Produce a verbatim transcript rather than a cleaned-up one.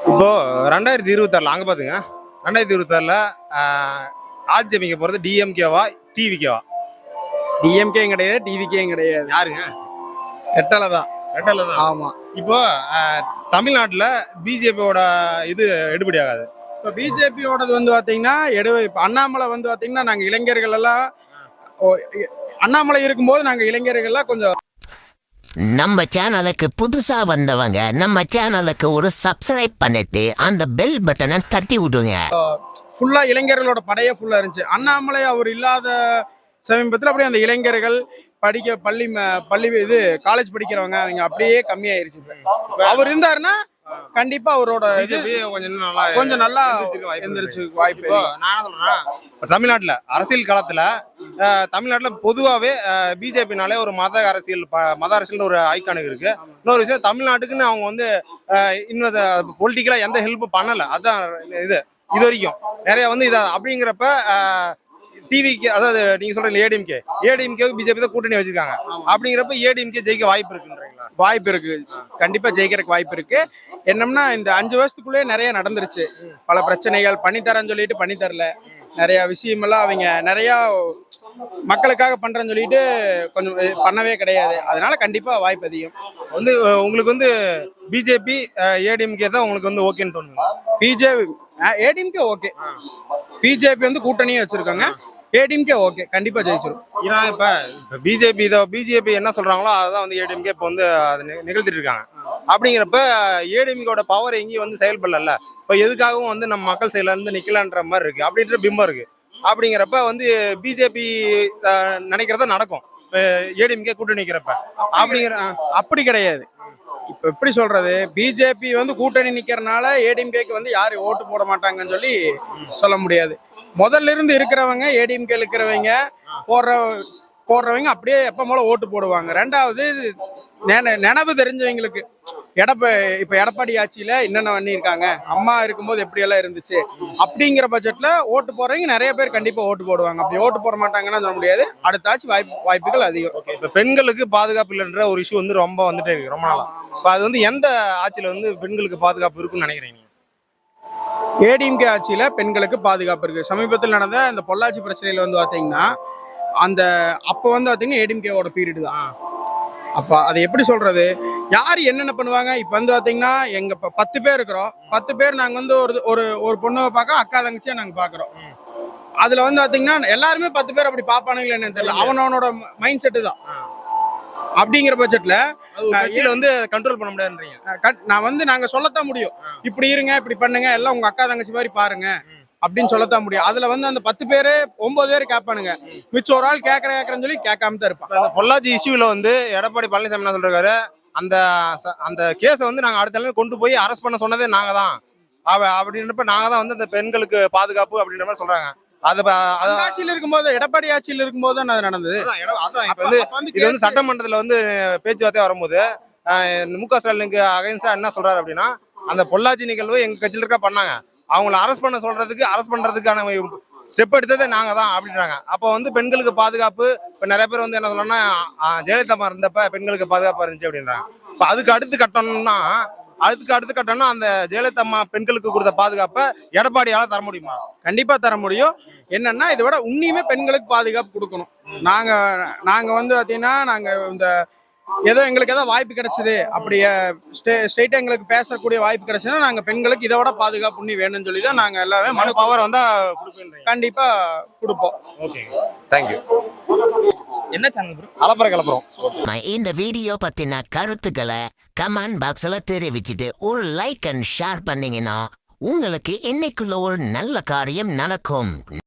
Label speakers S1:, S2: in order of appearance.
S1: இப்போ ரெண்டாயிரத்தி இருபத்தாறுல அங்க பாத்துங்க ரெண்டாயிரத்தி இருபத்தாறுல ஆட்சி அமைக்க போறது டிஎம்கேவா டிவிகேவா?
S2: டிஎம்கேயும் கிடையாது, டிவிகேயும் கிடையாது.
S1: யாருங்க?
S2: ரெட்டலை தான்.
S1: ரெட்டலை தான்.
S2: ஆமா.
S1: இப்போ தமிழ்நாட்டுல பிஜேபியோட இது எடுபடி ஆகாது.
S2: இப்போ பிஜேபியோடது வந்து பாத்தீங்கன்னா எடு இப்போ அண்ணாமலை வந்து பாத்தீங்கன்னா நாங்க இளைஞர்கள் எல்லாம் அண்ணாமலை இருக்கும்போது நாங்க இளைஞர்கள் எல்லாம் கொஞ்சம்
S3: நம்ம சேனலுக்கு புதுசா வந்தவங்க நம்ம சேனலுக்கு ஒரு சப்ஸ்கிரைப் பண்ணிட்டு அந்த பெல் பட்டனை தட்டி விடுங்க.
S2: ஃபுல்லா இளைஞர்களோட படையே ஃபுல்லா இருந்துச்சு. அண்ணாமலை அவர் இல்லாத சமீபத்தில் அப்படியே அந்த இளைஞர்கள் படிக்க பள்ளி பள்ளி இது காலேஜ் படிக்கிறவங்க அவங்க அப்படியே கம்மியாயிருச்சு. அவர் இருந்தாருன்னா கண்டிப்பா அவரோட கொஞ்சம் நல்லா எந்திரிச்சு வாய்ப்பு.
S1: நான் என்ன சொல்றேன், தமிழ்நாட்டுல அரசியல் காலத்துல தமிழ்நாட்டுல பொதுவாவே பிஜேபினாலே ஒரு மத அரசியல் மத அரசியல் ஒரு ஐக்கானுக்கு இருக்கு. இன்னொரு விஷயம், தமிழ்நாட்டுக்குன்னு அவங்க வந்து இன்னும் பொலிட்டிக்கலா எந்த ஹெல்ப் பண்ணல. அதான் இது இது வரைக்கும் நிறைய வந்து இதான் அப்படிங்கிறப்ப டிவிக்கு, அதாவது நீங்க சொல்றீங்க ஏடிஎம்கே ஏடிஎம்கே பிஜேபி தான் கூட்டணி வச்சிருக்காங்க. அப்படிங்கிறப்ப ஏடிஎம்கே ஜெயிக்க வாய்ப்பு இருக்குன்றீங்களா?
S2: வாய்ப்பு இருக்கு, கண்டிப்பா ஜெயிக்கிறதுக்கு வாய்ப்பு இருக்கு. என்னம்னா இந்த அஞ்சு வருஷத்துக்குள்ளே நிறைய நடந்துருச்சு. பல பிரச்சனைகள் பண்ணித்தரேன்னு சொல்லிட்டு பண்ணி தரல. நிறைய விஷயமெல்லாம் அவங்க நிறைய மக்களுக்காக பண்றேன்னு சொல்லிட்டு கொஞ்சம் பண்ணவே கிடையாது. அதனால கண்டிப்பா வாய்ப்பு அதிகம்.
S1: வந்து உங்களுக்கு வந்து பிஜேபி ஏடிஎம்கே தான் உங்களுக்கு வந்து ஓகேன்னு தோணுங்க?
S2: பிஜேபி ஏடிஎம்கே ஓகே, பிஜேபி வந்து கூட்டணியே வச்சிருக்காங்க. ஏடிஎம்கே ஓகே, கண்டிப்பா ஜெயிச்சிரும்.
S1: ஏன்னா இப்ப பிஜேபி இதை பிஜேபி என்ன சொல்றாங்களோ அதான் வந்து ஏடிஎம்கே இப்போ வந்து அதை நிகழ்த்திட்டு இருக்காங்க. அப்படிங்கிறப்ப ஏடிஎம்கேட பவர் எங்கேயும் வந்து செயல்படல. இப்போ எதுக்காகவும் வந்து நம்ம மக்கள் சைட்ல இருந்து நிக்கலான்ற மாதிரி இருக்கு அப்படின்ற பிம்பம் இருக்கு. அப்படிங்கிறப்ப வந்து பிஜேபி நினைக்கிறத நடக்கும் ஏடிஎம்கே கூட்டணி நிக்கிறப்ப. அப்படிங்கிற
S2: அப்படி கிடையாது. இப்ப எப்படி சொல்றது, பிஜேபி வந்து கூட்டணி நிக்கிறனால ஏடிஎம்கேக்கு வந்து யாரு ஓட்டு போட மாட்டாங்கன்னு சொல்லி சொல்ல முடியாது. முதல்ல இருந்து இருக்கிறவங்க ஏடிஎம்கே இருக்கிறவங்க போடுற போடுறவங்க அப்படியே எப்ப போல ஓட்டு போடுவாங்க. ரெண்டாவது நினைவு தெரிஞ்சவங்களுக்கு எடப்ப இப்ப எடப்பாடி ஆட்சியில என்னென்ன பண்ணியிருக்காங்க, அம்மா இருக்கும்போது எப்படி எல்லாம் இருந்துச்சு அப்படிங்கிற பட்ஜெட்ல ஓட்டு போடுறவங்க நிறைய பேர் கண்டிப்பா ஓட்டு போடுவாங்க. அப்படி ஓட்டு போட மாட்டாங்கன்னு சொல்ல முடியாது. அடுத்த ஆட்சி வாய்ப்பு வாய்ப்புகள் அதிகம்.
S1: இப்ப பெண்களுக்கு பாதுகாப்பு இல்லைன்ற ஒரு இஷ்யூ வந்து ரொம்ப வந்துட்டே இருக்கு ரொம்ப நாளா. இப்ப அது வந்து எந்த ஆட்சியில வந்து பெண்களுக்கு பாதுகாப்பு இருக்குன்னு நினைக்கிறீங்க?
S2: ஏடிஎம்கே ஆட்சியில பெண்களுக்கு பாதுகாப்பு இருக்கு. சமீபத்தில் நடந்த இந்த பொள்ளாச்சி பிரச்சனையில வந்து பாத்தீங்கன்னா அந்த அப்ப வந்து பாத்தீங்கன்னா ஏடிஎம்கேவோட பீரியட் தான். அப்ப அதை எப்படி சொல்றது, யாரு என்னென்ன பண்ணுவாங்க. இப்ப வந்து பாத்தீங்கன்னா எங்க பத்து பேர் இருக்கிறோம். பத்து பேர் நாங்க வந்து ஒரு ஒரு ஒரு பொண்ணை பார்க்க அக்கா தங்கச்சியா நாங்க பாக்குறோம். அதுல வந்து பாத்தீங்கன்னா எல்லாருமே பத்து பேர் அப்படி பாப்பானுங்களா என்னன்னு தெரியல. அவனோட மைண்ட் செட்டு தான். அப்படிங்கிற பட்ஜெட்ல
S1: கட்சியில வந்து கண்ட்ரோல் பண்ண முடியாதுன்றீங்க.
S2: நான் வந்து நாங்க சொல்லத்தான் முடியும், இப்படி இருங்க இப்படி பண்ணுங்க எல்லாம் உங்க அக்கா தங்கச்சி மாதிரி பாருங்க அப்படின்னு சொல்லத்தான் முடியும். அதுல வந்து அந்த பத்து பேரு ஒன்பது பேர் கேட்பானுங்க, மிச்சம் ஒரு ஆள் கேட்கற கேட்கறேன்னு சொல்லி கேட்காம தான் இருப்பான்.
S1: பொள்ளாச்சி இஷ்யூல வந்து எடப்பாடி பழனிசாமி என்ன சொல்றாரு, அந்த அந்த கேஸை வந்து நாங்க அடுத்த நாள் கொண்டு போய் அரெஸ்ட் பண்ண சொன்னதே நாங்க தான் அப்படின்றப்ப நாங்க தான் வந்து அந்த பெண்களுக்கு பாதுகாப்பு அப்படின்ற மாதிரி சொல்றாங்க. அது
S2: ஆட்சியில் இருக்கும்போது எடப்பாடி ஆட்சியில் இருக்கும்போது தான் அது நடந்தது.
S1: அதான் இப்ப வந்து இது வந்து சட்டமன்றத்துல வந்து பேச்சுவார்த்தை வரும்போது மு க ஸ்டாலினுக்கு அகைன்ஸ்டா என்ன சொல்றாரு அப்படின்னா, அந்த பொள்ளாச்சி நிகழ்வு எங்க கட்சியில இருக்கா பண்ணாங்க, அவங்களை அரெஸ்ட் பண்ண சொல்றதுக்கு அரெஸ்ட் பண்றதுக்கான ஸ்டெப் எடுத்ததே நாங்க தான் அப்படின்றாங்க. அப்போ வந்து பெண்களுக்கு பாதுகாப்பு இப்ப நிறைய பேர் வந்து என்ன சொல்லணும்னா ஜெயலலிதா இருந்தப்ப பெண்களுக்கு பாதுகாப்பா இருந்துச்சு அப்படின்றாங்க. இப்ப அதுக்கு அடுத்து கட்டணும்னா அதுக்கு அடுத்து கட்டணும் அந்த ஜெயலலிதா அம்மா பெண்களுக்கு கொடுத்த பாதுகாப்பை எடப்பாடியால தர முடியுமா?
S2: கண்டிப்பா தர முடியும். என்னன்னா இதை விட உன்னியுமே பெண்களுக்கு பாதுகாப்பு கொடுக்கணும். நாங்க நாங்க வந்து பாத்தீங்கன்னா நாங்க இந்த ஏதோ எங்களுக்கு ஏதோ வாய்ப்பு கிடைச்சது அப்படியே ஸ்டேட் எங்களுக்கு பேசக்கூடிய வாய்ப்பு கிடைச்சதுன்னா நாங்க பெண்களுக்கு இதை விட பாதுகாப்பு உண்ணி வேணும்னு சொல்லி தான் நாங்க எல்லாமே மனு
S1: பவர் வந்தா
S2: கண்டிப்பா கொடுப்போம்.
S1: Okay, thank you.
S2: என்ன சேனல் ப்ரோ?
S1: அலப்பற கலப்புறோம்.
S3: இந்த வீடியோ பத்தின கருத்துக்களை கமெண்ட் பாக்ஸ்ல தெரிவிச்சுட்டு ஒரு லைக் அண்ட் ஷேர் பண்ணீங்கன்னா உங்களுக்கு இன்னைக்குள்ள ஒரு நல்ல காரியம் நடக்கும்.